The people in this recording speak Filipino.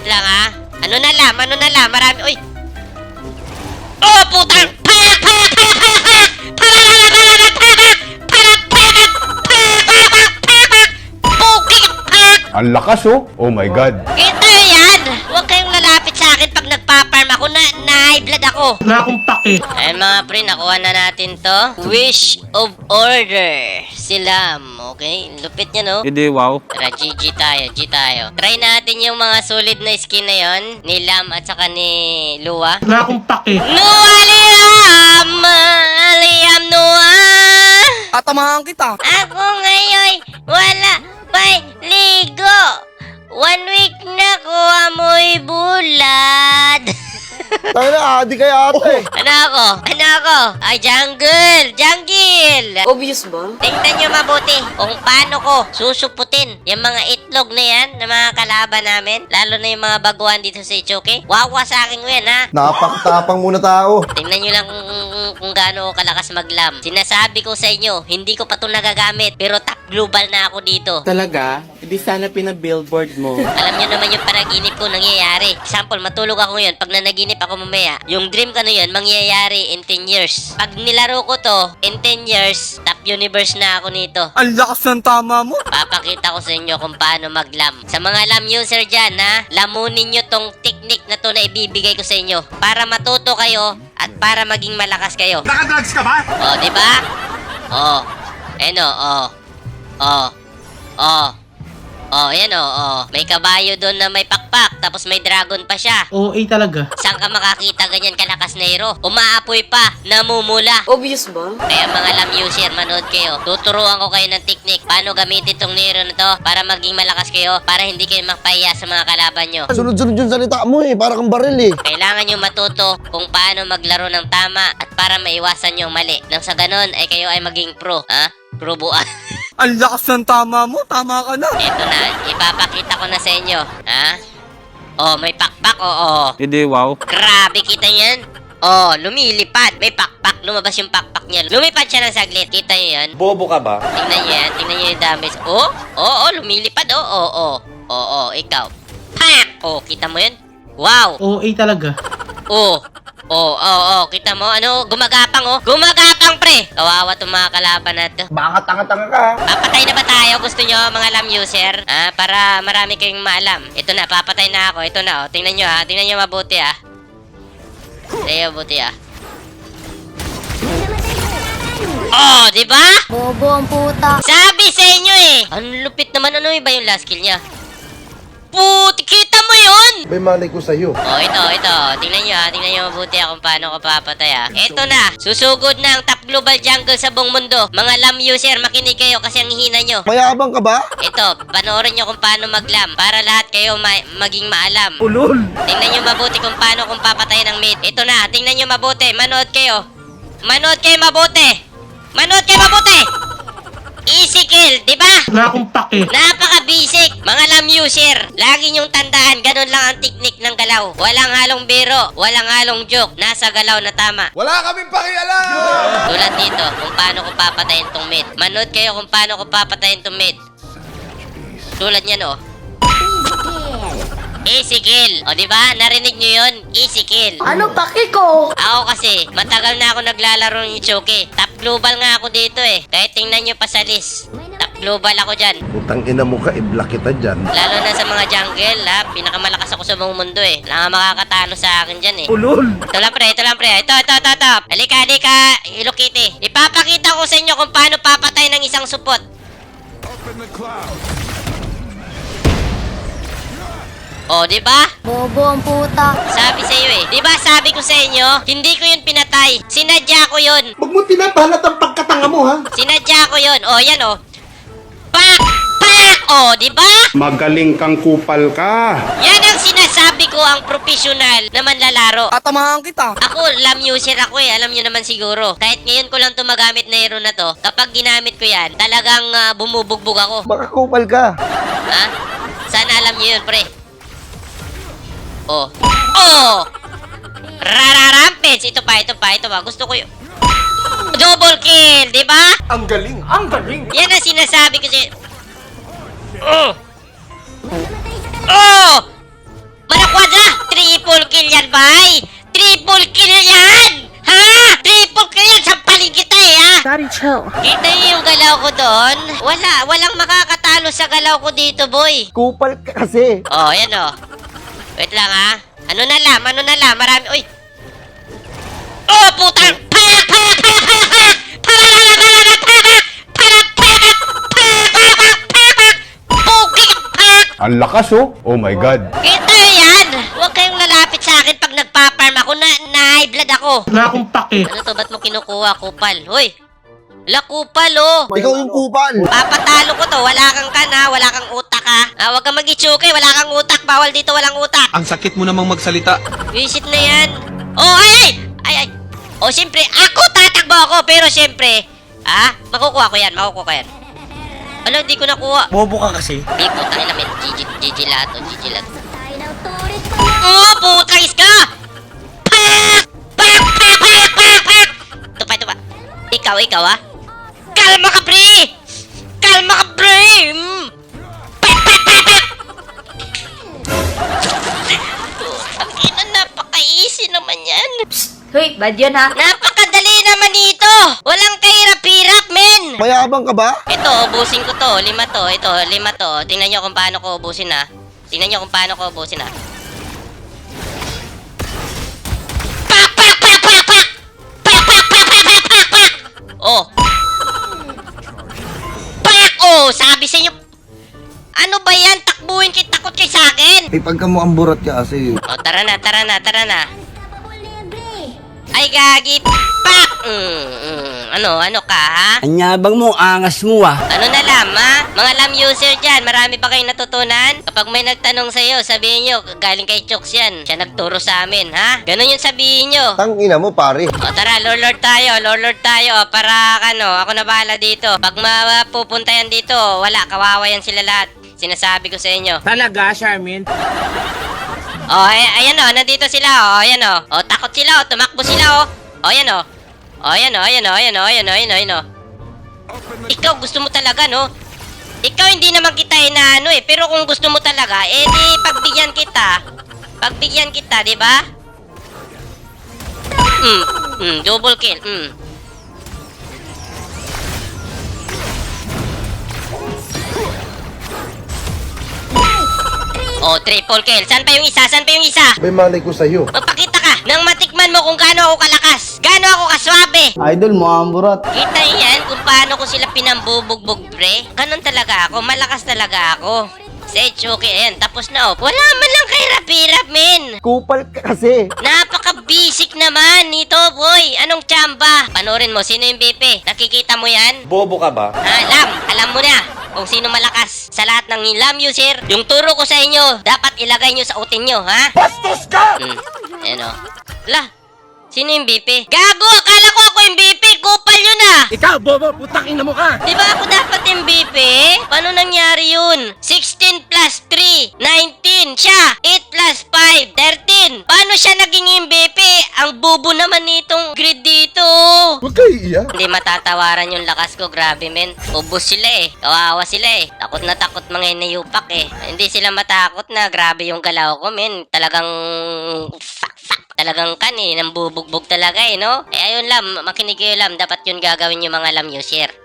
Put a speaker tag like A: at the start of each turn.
A: Wait lang ha. Ano na lang, marami. Uy. Oh, putang!
B: Ang lakas oh. Oh my God.
A: Kita yan! Huwag kayong lalapit sa akin pag nagpa-farm ako na high blood ako.
C: Wala akong pake.
A: Ayun mga pre, nakuha na natin to. Wish of Order. Silam. Okay? Lupit niya no?
D: Hindi, wow.
A: Tara, GG tayo. Try natin yung mga solid na skin na yon ni Lam at saka ni Lua.
C: Wala akong pake.
A: Lua Liam Noah!
D: Tatamahan kita.
A: Ako ngayon, wala pa'y ligo. 1 week na ko amoy bulad.
E: Tayo na, adi kay ate.
A: Ano ako? Ay, jungle!
F: Obvious ba?
A: Tingnan nyo mabuti kung paano ko susuputin yung mga itlog na yan ng mga kalaban namin. Lalo na yung mga baguhan dito sa Ichoke. Wawa sa akin yan ha.
E: Napakatapang muna tao.
A: Tingnan nyo lang kung gaano ako kalakas maglam. Sinasabi ko sa inyo, hindi ko pa ito nagagamit. Pero top global na ako dito.
D: Talaga? Hindi sana pina-billboard mo.
A: Alam nyo naman yung panaginip ko nangyayari. Example, matulog ako ngayon. Pag nanaginip ako mamaya, yung dream ko na yun, mangyayari in 10 years. Pag nilaro ko to, in 10 years, top universe na ako nito.
D: Ang lakas ng tama mo.
A: Papakita ko sa inyo kung paano maglam. Sa mga lam user dyan, ha, lamunin nyo tong technique na to na ibibigay ko sa inyo. Para matuto kayo at para maging malakas kayo.
B: Nakadrugs ka ba?
A: O, di ba? O. Ano, o. Yan o. May kabayo doon na may pakpak, tapos may dragon pa siya.
C: OA talaga.
A: Saan ka makakita ganyan kalakas na hero? Umaapoy pa, namumula.
F: Obvious ba?
A: Kaya mga lam user, manood kayo. Tuturuan ko kayo ng technique. Paano gamitin tong hero na to para maging malakas kayo, para hindi kayo mapahiya sa mga kalaban nyo.
E: Sunod-sunod yung salita mo eh, para kang baril eh.
A: Kailangan nyo matuto kung paano maglaro ng tama at para maiwasan yung mali. Nang sa ganon ay kayo ay maging pro. Ha? Pro buwan.
D: Ang lakas ng tama mo. Tama ka na.
A: Eto na, ipapakita ko na sa inyo. Ha? Oh, may pakpak, oo.
D: Hindi, wow.
A: Grabe, kita yan? Oh, lumilipad. May pakpak. Lumabas yung pakpak niya. Lumipad siya ng saglit. Kita nyo yan?
D: Bobo ka ba?
A: Tingnan nyo yan. Tingnan nyo yung damage. Oh, lumilipad. Oh, ikaw. Pak! Oh, kita mo yun? Wow!
C: OA talaga.
A: Kita mo? Ano? Gumagapang, Gumagapang, pre! Kawawa itong mga kalaban na to.
E: Baka tanga-tanga ka.
A: Papatay na ba tayo? Gusto nyo, mga lam user? Para marami kayong maalam. Ito na, papatay na ako. Ito na, Tingnan nyo, ha. Tingnan nyo mabuti, ha. Oh, di ba?
F: Bobo ang puta.
A: Sabi sa inyo eh. Ang lupit naman. Ano ba yung last kill niya? Puti, kita mo yun?
E: May malay ko sa'yo.
A: Oh, ito. Tingnan nyo ha. Tingnan nyo mabuti kung paano ko papatay ha. Ito na. Susugod na ang top global jungle sa buong mundo. Mga lam user, makinig kayo kasi ang hihina nyo.
E: Mayabang ka ba?
A: Ito, panoorin nyo kung paano maglam para lahat kayo maging maalam.
D: Ulol.
A: Tingnan nyo mabuti kung paano kung papatayin ng mate. Ito na, tingnan nyo mabuti. Manood kayo mabuti. Easy kill, di ba?
C: Wala akong pake.
A: Napaka-basic, mga lam user. Lagi nyong tandaan, ganun lang ang teknik ng galaw. Walang halong biro, walang halong joke. Nasa galaw na tama.
B: Wala kaming pakialam!
A: Tulad dito, kung paano ko papatayin tong mid. Manood kayo kung paano ko papatayin tong mid. Tulad niyan, Easy kill. O, di ba? Narinig nyo yun? Easy kill.
F: Ano pake ko?
A: Ako kasi, matagal na ako naglalaro ng Ichoke. Top global nga ako dito eh. Kahit tingnan nyo pa sa list. Top global ako dyan.
E: Putang ina mo ka, i-block kita dyan.
A: Lalo na sa mga jungle, ha? Pinakamalakas ako sa buong mundo eh. Wala nga makakatalo sa akin dyan eh.
D: Ulol.
A: Ito lang pre. Ito. Halika. Hello Kitty. Ipapakita ko sa inyo kung paano papatay ng isang supot. Oh, di ba?
F: Bobo ang puta.
A: Sabi sa iyo eh. Di ba sabi ko sa inyo, hindi ko yun pinatay. Sinadya ko yun.
E: Huwag mo pinapalat ang pagkatanga mo ha.
A: Sinadya ko yun. Oh, yan oh. Pak! Oh, di ba?
B: Magaling kang kupal ka.
A: Yan ang sinasabi ko ang profesional na manlalaro.
D: Tatamahan kita.
A: Ako, lam user ako eh. Alam nyo naman siguro. Kahit ngayon ko lang to magamit na hero na to, kapag ginamit ko yan, talagang bumubugbog ako.
E: Baka kupal ka.
A: Ha? Sana alam nyo yun, pre. Oh. Rampage. Ito pa. Gusto ko yun. Double kill, di ba?
B: Ang galing.
A: Yan ang sinasabi ko sa'yo. triple kill yan, bay! Triple kill yan! Ha? Triple kill yan! Sampalin kita eh, ha?
F: Daddy, chill.
A: Kita niyo yung galaw ko doon? Walang makakatalo sa galaw ko dito, boy.
E: Kupal ka kasi.
A: Oh, yan oh. Wait lang, ha? Ano na lang, marami. Uy! Oh, putang! Payak!
B: Ang lakas oh. Oh my God.
A: Kita yan! Huwag kayong lalapit sa akin pag nagpa-farm ako na high blood ako.
C: Wala akong pake.
A: Ano to? Ba't mo kinukuha, kupal? Hoy! Wala, kupal, oh!
E: Ikaw yung kupal.
A: Papatalo ko to. Wala kang kana, wala kang utak, ha? Huwag kang mag-itsuke. Wala kang utak. Bawal dito, walang utak.
G: Ang sakit mo namang magsalita.
A: Visit na yan. Oh, ay! Oh, siyempre, ako tatakbo ako. Pero siyempre, makukuha ko yan. Ano, di ko nakuha.
D: Bobo ka kasi.
A: Di, putang ina, men. GG lahat, oh. GG lahat. Oh, putang iska! Pak! Ito pa. Ikaw, ha? Kalma ka, pre! Putang ina, napaka-easy naman yan.
F: Hoy, bad yun ha.
A: Napakadali naman dito! Walang kahirap-hirap, men!
E: Mayabang ka ba?
A: Ito, ubusin ko to. 5 to. Ito, 5 to. Tingnan nyo kung paano ko ubusin, ha. Pak! Oh. Pak! Oh, sabi sa inyo. Ano ba yan? Takbuhin takot kay sa akin.
E: Eh, pagka mo ang burat ka kasi.
A: Oh, tara na. Ay, gagi. Pak! Ano ka, ha?
D: Anyabang mo, angas mo ah.
A: Ano na lam, ha? Mga lam user dyan, marami pa kayong natutunan? Kapag may nagtanong sa'yo, sabihin nyo, galing kay Chooks yan. Siya nagturo sa amin, ha? Ganun yung sabihin nyo.
E: Tangina mo, pare.
A: O tara, lord tayo. Para, ako na bahala dito. Pag mapupunta yan dito, wala, kawawa yan sila lahat. Sinasabi ko sa inyo.
D: Talaga, Charmin?
A: Oh, ayan o, nandito sila o, ayan o. O, takot sila o, tumakbo sila o. O, ayan o. O, ayan o. Ikaw, gusto mo talaga, no? Ikaw, hindi naman kita inaano eh. Pero kung gusto mo talaga, di pagbigyan kita, di ba? Double kill, Oh, triple kill. Saan pa yung isa?
E: May malay ko sa'yo.
A: Magpakita ka nang matikman mo kung gaano ako kalakas. Gaano ako kaswabe.
D: Idol mo ang burat.
A: Kita yan kung paano ko sila pinambubugbog, pre. Ganon talaga ako. Malakas talaga ako. Sage, okay. Ayan, tapos na, oh. Wala man lang kahirap-hirap, men.
E: Kupal ka kasi.
A: Napaka-basic naman nito, boy. Anong tsamba? Panorin mo, sino yung BP? Nakikita mo yan?
D: Bobo ka ba?
A: Alam mo na kung sino malakas sa lahat ng lam user. Yung turo ko sa inyo, dapat ilagay nyo sa utin nyo, ha? Bastos ka! Ayan o. Sino yung BP? Gago! Akala ko ako yung BP! Kupal yun ah!
D: Ikaw, bobo, putakin na mo ka.
A: Di ba ako dapat yung BP? Paano nangyari yun? 16 plus 3, 19. Siya, 8 plus 5, 13. Paano siya naging MVP? Ang bubo naman nitong grid dito.
E: Huwag kayo iiyak.
A: Hindi matatawaran yung lakas ko. Grabe, men. Ubus sila eh. Kawawa sila eh. Takot na takot mga inayupak eh. Hindi sila matakot na grabe yung galaw ko, men. Talagang talagang nang bubugbog talaga eh, no? Ayun lam, makinig kayo lam. Dapat yun gagawin yung mga lam user.